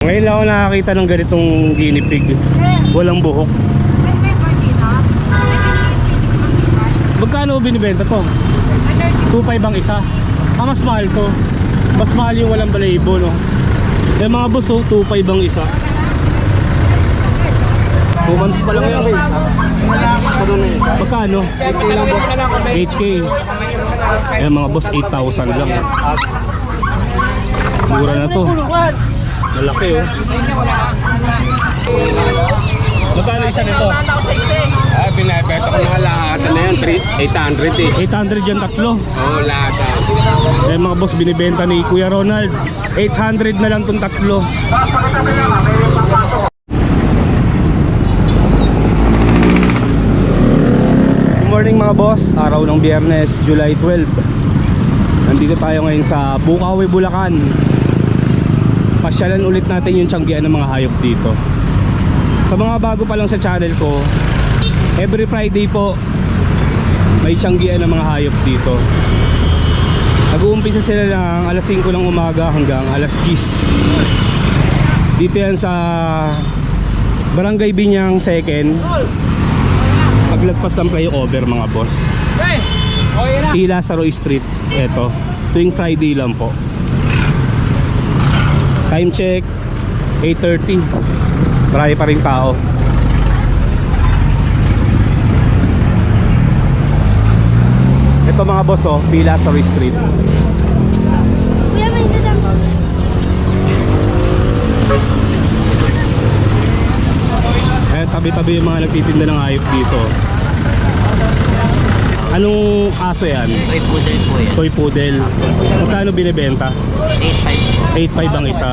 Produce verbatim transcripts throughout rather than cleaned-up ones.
Ngayon lang ako nakakita ng ganitong guinea pig. Walang buhok. Magkano binibenta to? two five ang isa. Ah, mas mahal to. Mas mahal yung walang balahibo, no? Yung mga boss, oh, two five ang isa. two months pa lang yan. Magkano? eight K. Yung mga boss, eight thousand lang. Mura na to. Malaki, oh. Magkano isa nito? Ah, binibenta ko na lahat na yan, eight hundred eh. eight hundred yan tatlo. Oo, oh, lahat. Eh mga boss, binibenta ni Kuya Ronald, eight hundred na lang tong tatlo. Good morning mga boss, araw ng Biyernes, July twelve. Nandito tayo ngayon sa Bukawi, Bulacan. Pasyalan ulit natin yung tiyanggian ng mga hayop dito. Sa mga bago pa lang sa channel ko, every Friday po may tiyanggian ng mga hayop dito. Nag-uumpisa sila ng alas singko ng umaga hanggang alas diyes. Dito yan sa Barangay Binyang second, paglagpas ng flyover mga boss. T. Lazaro Street. Eto, tuwing Friday lang po. Time check eight thirty. Marami pa rin tao. Ito mga boss, oh, T. Lazaro Street. Kuya, may dadang po. Eh, tabi-tabi yung mga nagtitinda ng hayop dito. Anong aso yan? Toy poodle po yan. Toy poodle. Magkano binibenta? eight five po. eight five ang isa.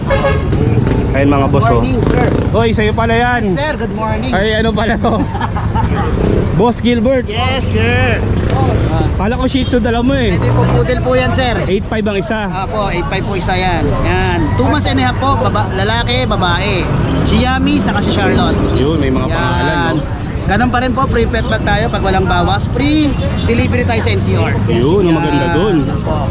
Ayun mga boss, oh. Oy, sa'yo pala yan. Yes, sir. Good morning. Ay, ano pala to? Boss Gilbert. Yes, sir. Pala ko Shih Tzu dala mo eh. Pwede po poodle po yan, sir. eight five ang isa. Ah po, eight five po isa yan. Yan. two months and a half po. Baba, lalaki, babae. Si Yami, saka si Charlotte. Yun, may mga pangalan, Yan. no? Ganun pa rin po, free pet bag tayo pag walang bawas. Free delivery tayo sa N C R. Yun, ang maganda dun. Po.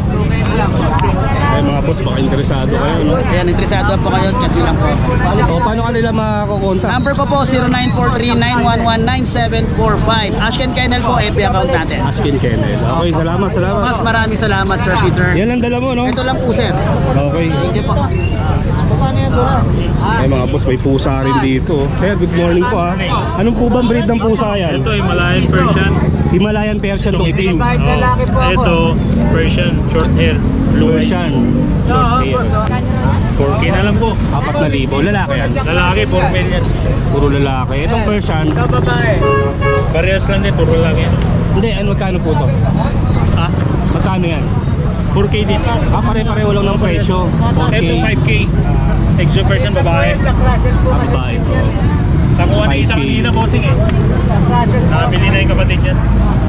Ay mga boss, baka interesado kayo, no? Ayan, interesado po kayo, chat nyo lang po. O, paano kanila makakontak? Number ko po, zero nine four three nine one one nine seven four five. Ashken Kennel po, F B account natin. Askin Kennel. Okay, salamat, salamat. Mas maraming salamat, Sir Peter. Yan ang dala mo, no? Ito lang po, sir. Okay. Thank you po. Paano yan, Dora? Ay mga boss, may pusa rin dito. Sir, good morning po, ha. Anong po bang breed ng pusa yan? Ito Himalayan Persian. Himalayan Persian tong itim. Oh, ito Persian short hair, blue eyes. Persian. Short hair. four K na lang po. apat na libo. Lalaki yan. Lalaki, four million. Puro lalaki. Itong Persian. Parehas lang din, puro lalaki. Hindi, ano magkano po to? Ah, Magkano yan? four K din. Ah, pare-pareho lang ng presyo. four K. Ito five K. Exo Persian babae. Ah, babae po. Nakuha na isa five K. kanina, bossing eh. Nakabili na yung kapatid niyan.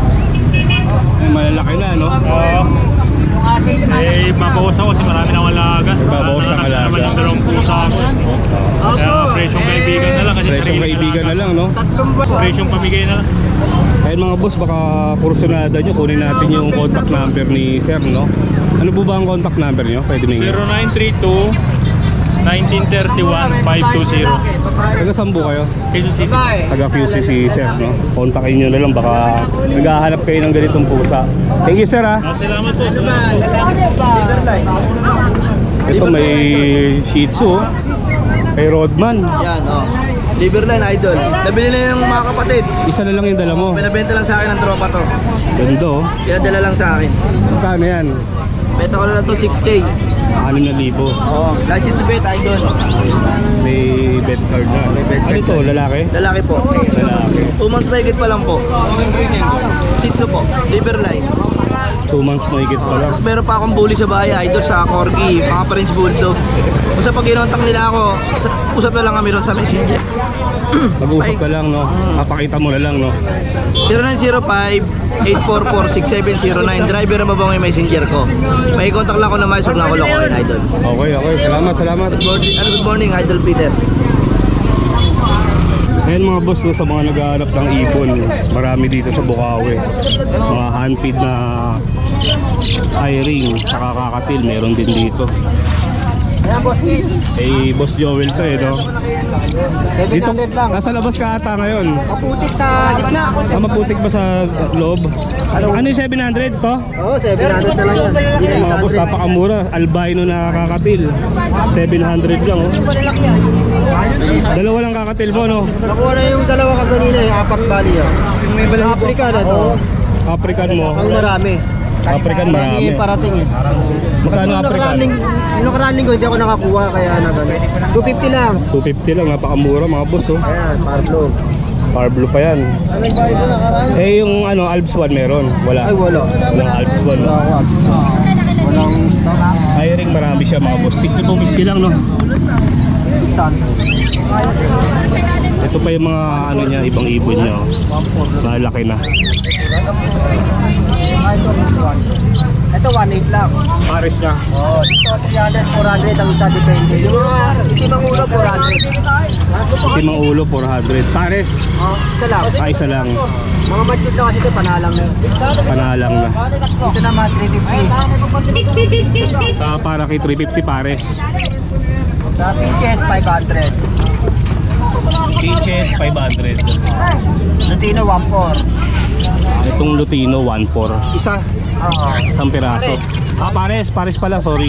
Ay, malalaki na, no? Oo. Eh, mabawas ako kasi marami nang alaga. Babawas ang alaga. Naman yung dalawang pusa ako. Kaya presyong kaibigan na lang. Kasi Presyong sarili kaibigan na alaga. lang, no? Presyong pamigay na lang. Ayun mga boss, baka kursunada nyo, kunin natin yung contact number ni Sir, no? Ano po ba ang contact number nyo? Pwede mingi. zero nine three two one nine three one five two zero. Taga saan po kayo? Quezon City. Taga Q C si Sir, no? Kontakin nyo na lang, baka naghahanap kayo ng ganitong pusa. Thank you, Sir, ha? Ah, salamat po. Ito may Shih Tzu, oh. Kay Rodman. Yan, oh. Liverline Idol. Nabili na yung mga kapatid. Isa na lang yung dala mo. Pinabenta lang sa akin ng tropa to. Ganda, oh. Kaya dala lang sa akin. Magkano yan? Benta ko na lang to six K. anim na libo. Oo. License bet Idol. May bed card na. bed Ano card to, na. lalaki? Lalaki po. Lalaki. two months mahigit pa lang po. Shih Tzu po. Liverline. two months mahigit pa lang. Tapos meron pa akong bully sa bahay, Idol, sa Corgi, mga Prince Bulldog. Kung sa pag kinontak nila ako, usap na lang kami ron sa Messenger. Mag-usap ka lang, no? Papakita mo na lang, no? zero nine zero five eight four four six seven zero nine. Driver na babang yung messenger ko. May contact lang ako na mais, huwag na ako lokohin, Idol. Okay, okay. Salamat, salamat. Good morning, ano, good morning, Idol Peter. Ayan mga boss, no, sa mga naghahanap ng ipon, marami dito sa Bukawi. Mga handpid na eye ring, saka kakatil, meron din dito. Ayan, boss Pete. Eh, Boss Joel to eh, no? Dito, seven hundred lang. nasa labas ka ata ngayon. Maputik sa gitna. Ah, maputik ba sa loob? Ano yung seven hundred to? Oo, seven hundred na lang yan. Hindi na Mga boss, napakamura. Albino na kakatil. seven hundred lang, oh. Dalawa lang kakatil mo, no? Nakuha na yung dalawa ka kanina, yung apat bali yun. Sa Africa na to. African mo. Ang marami. African marami. Hindi parating eh. Magkano Yung African? nakaraning- Yung nakaraning ko, hindi ako nakakuha kaya na gano'n. two fifty lang. two fifty lang, napakamura mga boss, oh. Ayan, Pablo. Power blue pa yan. Anong bayad na nakaraan? Eh, yung ano, Alps one meron. Wala. Ay, wala. Walang Alps one. No? Wala. Walang stock. Hiring marami siya mga boss. fifty to fifty lang, no? Isan. Ito pa yung mga ano niya, ibang ibon niya, oh. Malaki na. Ito, one eight lang. Pares niya. Oh, dito, three hundred, four hundred ang isa depende. Yung mga itimang ulo, four hundred. Timang ulo, four hundred. Pares. Oh, isa lang. Ah, isa lang. Mga budget na kasi ito, panalang na. Panalang na. Dito naman, three fifty. Sa para kay three fifty pares. Sa Pinches, five hundred. Peaches, five hundred. Lutino, one four. Itong Lutino, one four. Isa. Oo. Isang piraso. Ah, pares. Pares pala, sorry.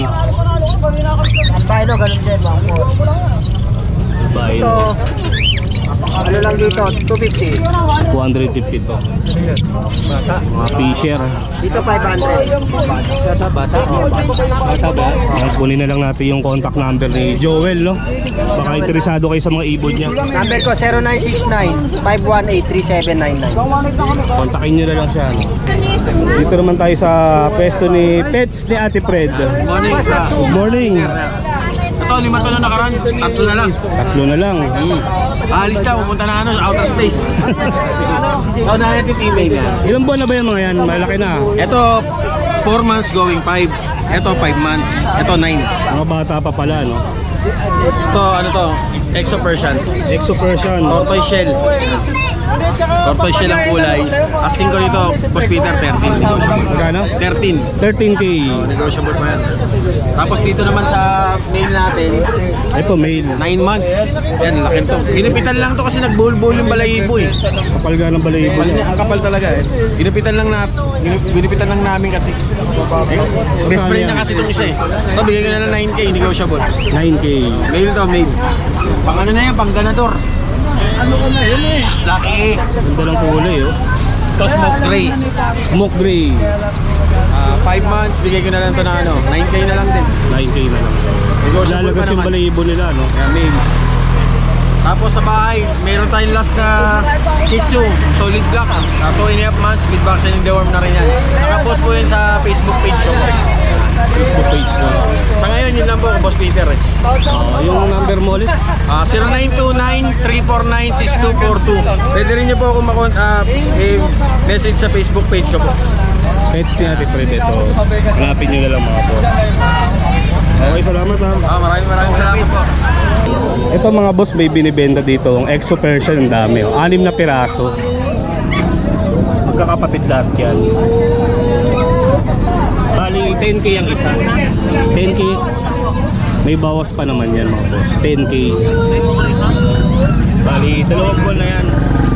Ang Pino, ganun din, one four. Bain. Ito, ano lang dito, two fifty. two fifty to. Mga fisher. Dito, five hundred. Bata? Bata? Oo, bata ba? Ayan, kunin na lang natin yung contact number ni Joel, no? Baka interesado kayo sa mga ibon niya. Number ko, zero nine six nine, five one eight, three seven nine nine. Kontakin nyo na lang siya, no? Dito naman tayo sa pwesto ni Pets ni Ate Fred. Morning, sa. Good morning. Ito, lima to na nakaraan. Tatlo na lang. Tatlo na lang. Hmm. Alis na, pupunta na ano, sa outer space. Ikaw na natin email yan. Ilang buwan na ba yan mga yan? Malaki na. Ito, four months going five. Ito, five months. Ito, nine. Mga bata pa pala, no? Ito, ano to? Exo Persian. Exo Persian. Tortoise shell. Tortoise shell ang kulay. Asking ko dito, Boss Peter, thirteen. Negotiable. Magkano? thirteen. thirteen K. Oh, negotiable pa yan. Tapos dito naman sa mail natin, Ito, male. nine months. Yan, laki to. Ginipitan lang to kasi nagbulbul yung balayibo eh. Kapal ga ng balayibo. Kapal niya, ang kapal talaga eh. Ginipitan lang na, ginip- ginipitan lang namin kasi. Eh, best friend na kasi itong isa eh. Ito, bigay ko na lang nine K, negotiable. nine K. Mail to, mail. Pang ano na yan, pang ganador. Ano ko na yun eh? Lucky. Ganda ng kulay, oh. Ito, smoke gray. Smoke gray. Ah, five months, bigay ko na lang to na ano, nine K na lang din. nine K na lang. Negotiable pa Lalagas yung naman. balayibo nila, no? Yan, mail. Tapos sa bahay, meron tayong last na Shih Tzu, solid black. Uh, two and a half months, with vaccine and deworm na rin yan. Nakapost po yun sa Facebook page ko po. Facebook page ko. Sa ngayon, yun lang po, Boss Peter eh. Oh, yung number mo ulit? Uh, zero nine two nine, three four nine, six two four two. Pwede rin niyo po ako makon uh, eh, message sa Facebook page ko po. Pets ni Ate Fred ito. Hanapin nyo na lang mga boss. Okay, salamat ha. Ah, maraming maraming salamat po. Ito mga boss, may binibenta dito. Ang Exo Persian, ang dami. Oh. Anim na piraso. Magkakapatid lahat yan. Bali, ten K ang isa. ten K. May bawas pa naman yan mga boss. ten K. Bali, dalawang buwan na yan.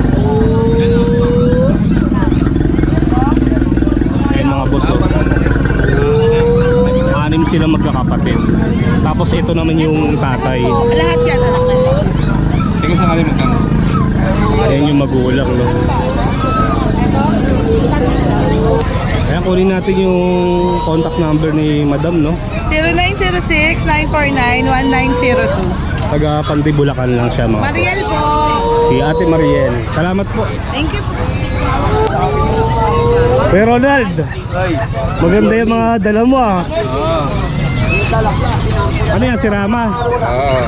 Ayan mga boss. Oh. Anim sila magkakapatid. Tapos ito naman yung tatay. Lahat yan, anak na. Tingnan sa kalimutan magkano. Ayan yung magulang, no? Kaya kunin natin yung contact number ni Madam, no? zero nine zero six, nine four nine, one nine zero two. Taga Pantibulacan lang siya, mga Mariel po. Si Ate Mariel. Salamat po. Thank you po. Kuya Ronald, maganda yung mga dala mo, ah. Ano yan, si Rama? Oo.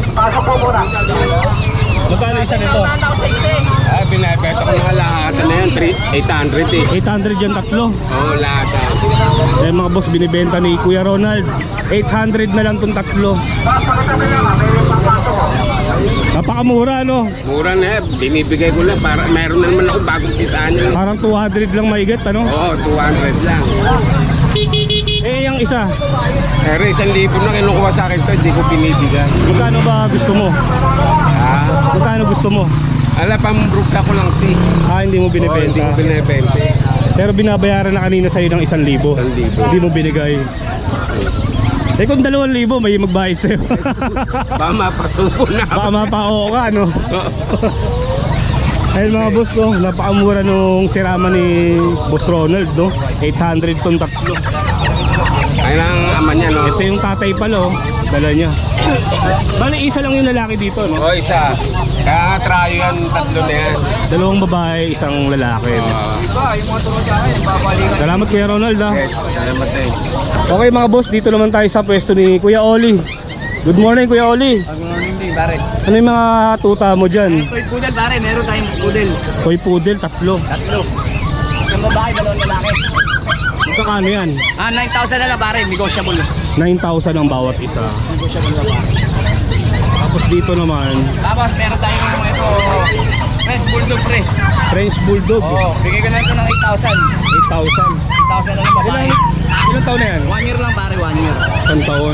Magkano isa nito? Ah, binibenta ko na lahat na yan, eight hundred eh. eight hundred yung tatlo. Oo, lahat ah. Eh mga boss, binibenta ni Kuya Ronald. eight hundred na lang tong tatlo. Napakamura, no? Mura na eh, binibigay ko lang para mayroon na naman ako bagong pisaan yun. Parang two hundred lang maigat, ano? Oo, two hundred lang. Eh, yung isa, Pero isang libo na kinukuha sa akin to, hindi ko binibigay. magkano ba gusto mo? Ah, Magkano gusto mo? ala, pambrugta ko lang, ti. Ah, hindi mo Oh, hindi binibenta. ko binibenta. Pero binabayaran na kanina sa'yo ng isang libo. Isang libo. Hindi mo binigay. Eh kung dalawang libo, may magbayad sa'yo. Baka mapasuko na. Baka mapao ka, no? Ayun mga boss, no? Napakamura nung sirama ni Boss Ronald, no? eight hundred tong tatlo. Ayun ang ama niya, no? Ito yung tatay pala, oh. Dala niya. Bali, isa lang yung lalaki dito, no? O, isa. Kaya trayo yan, tatlo na yan. Dalawang babae, isang lalaki. No? Ah, Salamat Kuya Ronald, ah. okay, salamat eh. Okay mga boss, dito naman tayo sa pwesto ni Kuya Oli. Good morning Kuya Oli. Good morning din, pare. Ano yung mga tuta mo dyan? Toy poodle, pare. Meron tayong poodle. Toy poodle, tatlo. Tatlo. Isang babae, dalawang lalaki. Magkakano yan? Ah, nine thousand na lang, pare. Negotiable. nine thousand ang bawat isa. Negotiable na, pare. Tapos dito naman, Tapos meron tayong ito, French Bulldog, pre. French Bulldog. Oo, bigay ko lang ito ng eight thousand. eight thousand. eight thousand na lang, babae. Ilang taon na yan? One year lang, pare. One year. Isang taon.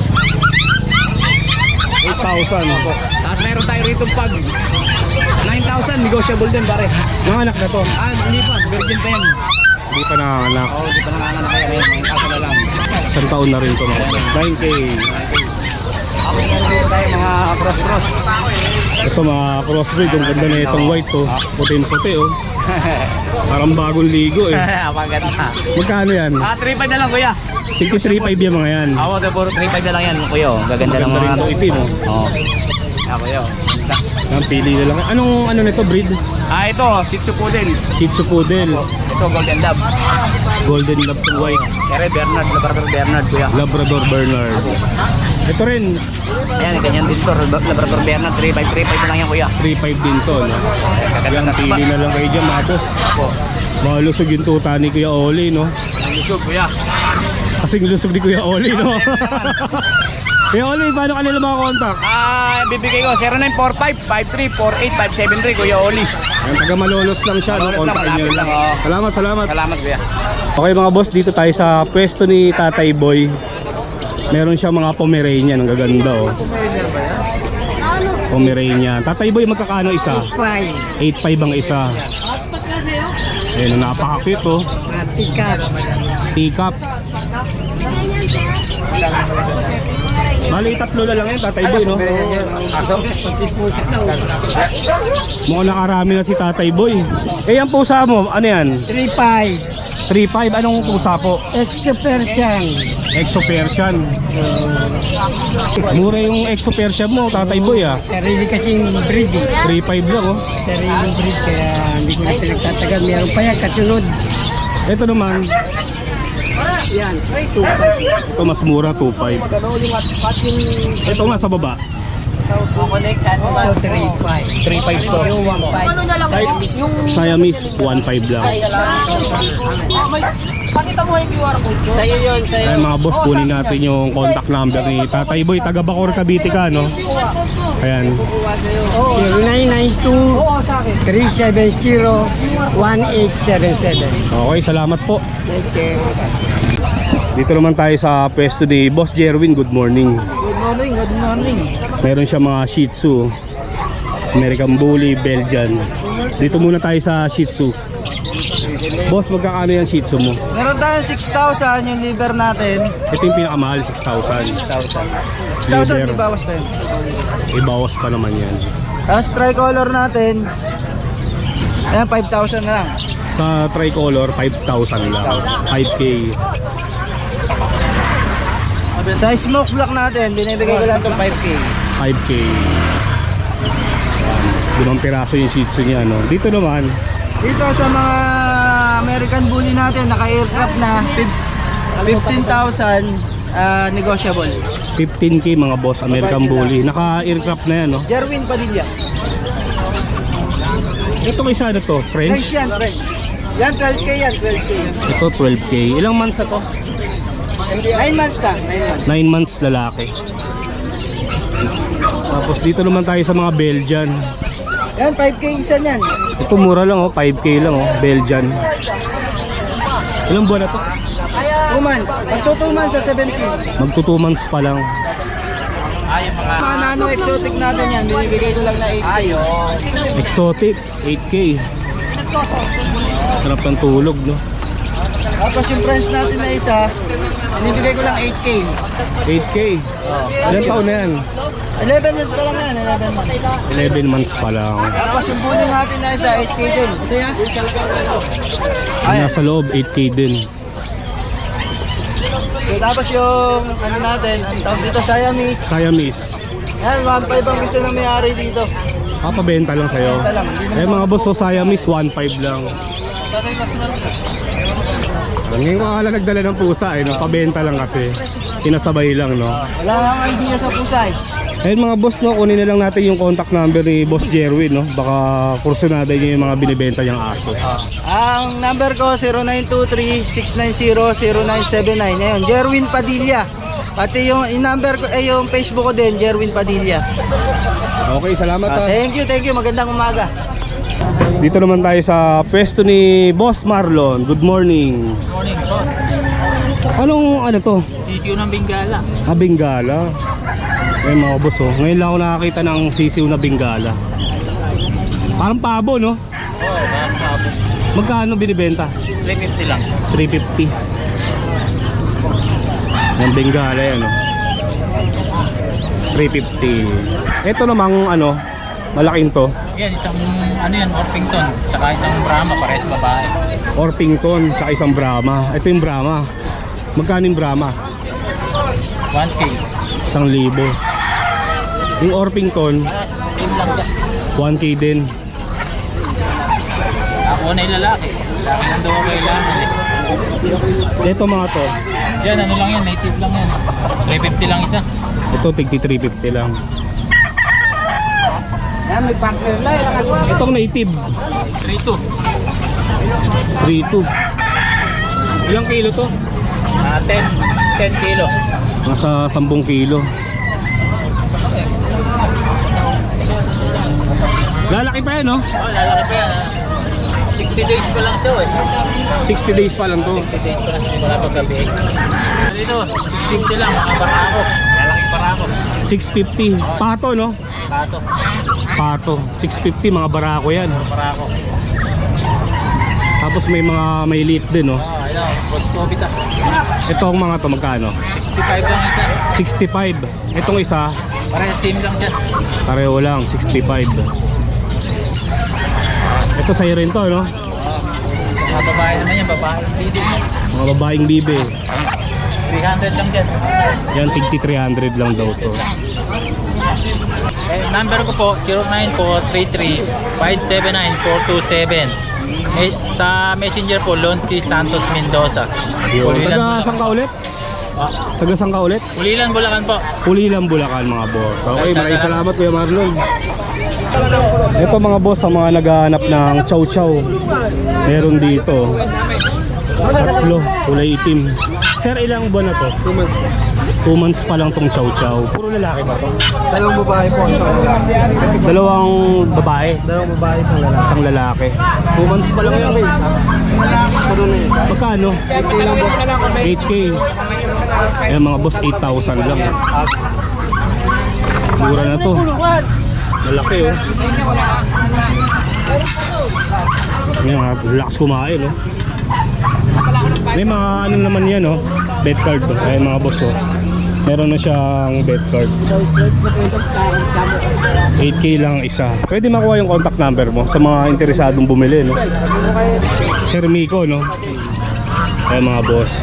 eight thousand. Tapos meron tayo rito pag nine thousand, negotiable din, pare. Mga anak na to. Ah, hindi pa. Virgin pa yan. Hindi pa nanganganak. Oo, hindi pa nanganganak kaya ngayon. nine thousand na lang. Isang taon na rin to mga boss. nine K. Tapos meron dito tayo mga cross-cross. Ito mga crossbreed. Ang ganda na itong white to. Puti-puti oh. Parang bagong ligo eh. Apaganda. Magkano yan? Ah, three five na lang, kuya. fifty-three point five yung mga yan. Ako, puro three five na lang yan, kuya. oh. Gaganda ng Maganda mga... rin to itim oh. Oo. Ah, kuya. oh. Ganda. Ang pili na lang. Anong ano nito breed? Ah, ito, Shih Tzu Poodle. Shih Tzu Poodle. Ito, Golden Lab. Golden Lab to white. Kere Bernard, Labrador Bernard, kuya. Labrador Bernard. Ito rin, Ayan, ganyan din to. Labrador Bernard, three five, three five na lang yan, kuya. three point five din to. No? Gaganda Yan, ng taba. pili na lang kayo dyan mga boss. Opo. Malusog yung tuta ni Kuya Oli, no? Ang lusog, kuya. Kasing lusog ni Kuya Oli, no? Kuya Oli, paano kanila mga contact? Ah, bibigay ko zero nine four five, five three four eight, five seven three, Kuya Oli. Yan, taga Malolos lang siya, no? Malolos lang, Contact nyo malapit lang. lang, oo. Salamat, salamat. Salamat, kuya. Okay mga boss, dito tayo sa pwesto ni Tatay Boy. Meron siya mga Pomeranian, ang gaganda oh. Pomeranian. Tatay Boy, magkakano isa? eight five ang isa. Ayun, napaka-cute oh. Teacup. Bali, tatlo na lang yun, Tatay Boy, no? Mukhang nakarami na si Tatay Boy. Eh, ang pusa mo, ano yan? three five. three five, anong pusa po? Extra Persian. Exo Persian. Mura yung Exo Persian mo, Tatay Boy ah. Sarili kasing breed eh. three five lang oh. Sariling breed kaya hindi ko na pinagtatagal. Meron pa yan kasunod. Ito naman, Yan. ito mas mura, two five. Ito nga sa baba, Oh, three five. three five to. Yung one five. Siamese, one five lang. Sa'yo yun, sa'yo. Ay mga boss, kunin natin yung contact number ni Tatay Boy. Taga Bacoor, Cavite ka, no? Ayan. zero nine nine two, three seven zero, one eight seven seven. Okay, salamat po. Okay. Dito naman tayo sa pwesto ni Boss Jerwin. Good morning. Good morning, good morning. Meron siya mga Shih Tzu, American Bully, Belgian. Dito muna tayo sa Shih Tzu. Boss, magkakano yung Shih Tzu mo? Meron tayong six thousand yung liver natin. Ito yung pinakamahal, six thousand. six thousand, Liver. di bawas pa yun. Ibawas pa naman yan. Tapos tricolor natin, ayan, five thousand na lang. Sa tricolor, five thousand lang. five K. Sa smoke block natin, binibigay ko lang itong five K. five K. Limang piraso yung Shih Tzu niya, no? Dito naman, Dito sa mga American Bully natin, naka-aircraft na, fifteen thousand, uh, negotiable. fifteen K mga boss, American Bully. Naka-aircraft na yan, no? Jerwin Padilla. Itong isa na to, French French. yan, French. Yan, twelve K yan, twelve K. Ito, twelve K. Ilang months na to? nine months ka, nine months. nine months lalaki. Tapos dito naman tayo sa mga Belgian. Yan, five K isa niyan. Ito mura lang oh, five K lang oh, Belgian. Ilang buwan na to? two months. Magto two months sa seventeen. Magto two months pa lang. Mga nano exotic natin yan, binibigay ko lang na eight K. Exotic, eight K. Sarap ng tulog, no? Tapos yung French natin na isa, binibigay ko lang eight K. eight K. Ilan taon na yan? eleven months pa lang yan, eleven months. eleven months pa lang. Tapos yung bully natin na isa, eight K din. Ito yan. Yung nasa loob, eight K din. So, tapos yung ano natin, ang tawag dito, Siamese. Siamese. Yan, one five ang gusto ng may-ari dito. Ah, pabenta lang sa'yo. Benta lang, hindi naman Eh mga boss, so Siamese, one five lang. Ngayon ko akala nagdala ng pusa eh, no? Pabenta lang kasi. Sinasabay lang, no? Wala kang idea sa pusay. Ayun mga boss, no, kunin na lang natin yung contact number ni Boss Jerwin, no? Baka kursunada niyo yung mga binibenta niyang aso. Ang number ko zero nine two three, six nine zero, zero nine seven nine. Ngayon, Jerwin Padilla. Pati yung, yung number ko, eh yung Facebook ko din, Jerwin Padilla. Okay, salamat Ah, ha. thank you, thank you. Magandang umaga. Dito naman tayo sa pwesto ni Boss Marlon. Good morning. Morning, boss. Anong ano to? Sisiyo ng Bengala. Ah, Bengala. Ayun mga boss, oh. Ngayon lang ako nakakita ng sisiw na Bengala. Parang pabo, no? Oo, oh, parang pabo. Magkano binibenta? three fifty lang. three fifty. Yung Bengala yan, oh. three fifty. Ito namang ano, malaking to. Yan, isang ano yan, Orpington. Tsaka isang Brahma, parehas babae. Orpington, tsaka isang Brahma. Ito yung Brahma. Magkano yung Brahma? one K. Isang libo. Yung Orpington, Yun lang yan. one K din. Ako na yung lalaki. Lalaki lang daw ako kailangan. Ito mga to, Yan, ano lang yan, native lang yan. three fifty lang isa. ito tigti three fifty lang. Yan, may partner lang. Itong native, three two. three two. Ilang kilo to? Ah, ten. ten kilo. Nasa ten kilo. Lalaki pa yan, no? Oh, lalaki pa yan. ah. sixty days pa lang siya, eh. sixty days pa lang to. sixty days pa lang siya, wala pag gabi. Dito, six fifty lang, mga barako. Lalaking barako. six fifty. Pato, no? Pato. Pato. six fifty, mga barako yan. Barako. Tapos may mga may liit din, no? Oh, ayun, boss Kobita. Ito ang mga to, magkano? sixty-five lang isa. sixty-five. Itong isa, Parang same lang siya. pareho lang, sixty-five. Ito sa'yo rin to, no? Oh, mga babae naman yan, babae. Bibi. Mga babaeng bibe. three hundred lang dyan. Yan, tigti three hundred lang daw to. Eh, number ko po, zero nine four three three, five seven nine, four two seven. Eh, sa messenger po, Lonsky Santos Mendoza. Yun. Pulilan, Taga Bulacan. saan ka ulit? Ah, Taga saan ka ulit? Pulilan, Bulacan po. Pulilan, Bulacan mga boss. Okay, maraming salamat Kuya Marlon. Ito mga boss, ang mga naghahanap ng chow chow. Meron dito. Tatlo, kulay itim. Sir, ilang buwan na to? two months pa. two months pa lang tong chow chow. Puro lalaki ba to? Dalawang babae po, isang lalaki. Dalawang babae, Dalawang babae, isang lalaki. isang lalaki. two months pa lang yan. Puro na isa. Magkano? eight K. Ayan mga boss, eight thousand lang. Mura na to. Malaki, oh. Ayan, mga lakas kumain, oh. May mga ano naman yan, oh. Bet card, oh. Ayan mga boss, oh. Meron na siyang bet card. eight K lang isa. Pwede makuha yung contact number mo sa mga interesadong bumili, no? Sir Miko, no? Ayan mga boss.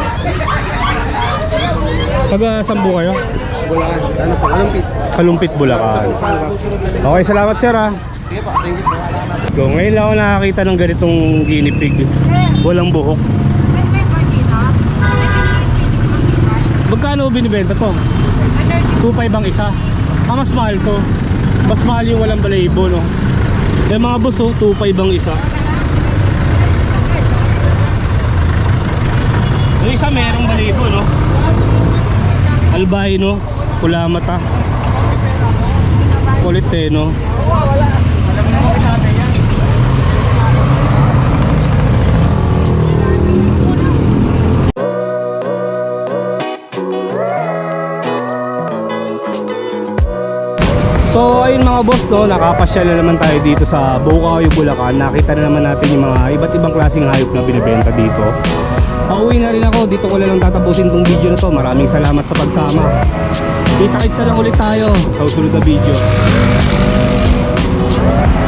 Taga Sambu kayo? Wala, ano pa, kalumpit. Kalumpit, Bulacan. Okay, salamat sir ha. Go. Ngayon lang ako nakakita ng ganitong guinea pig. Walang buhok. Magkano binibenta to? two five ang isa. Ah, mas mahal to. Mas mahal yung walang balahibo, no? Eh mga boss, oh, two five ang isa. Yung isa merong balahibo, no? Albino, pula mata. Kulit eh, no? ayun mga boss, no, nakapasyal na naman tayo dito sa Bukawi, Bulacan. Nakita na naman natin yung mga iba't ibang klaseng hayop na binibenta dito. Pauwi na rin ako, dito ko lang tatapusin tong video na to. Maraming salamat sa pagsama. Kita-kits na lang ulit tayo sa susunod na video.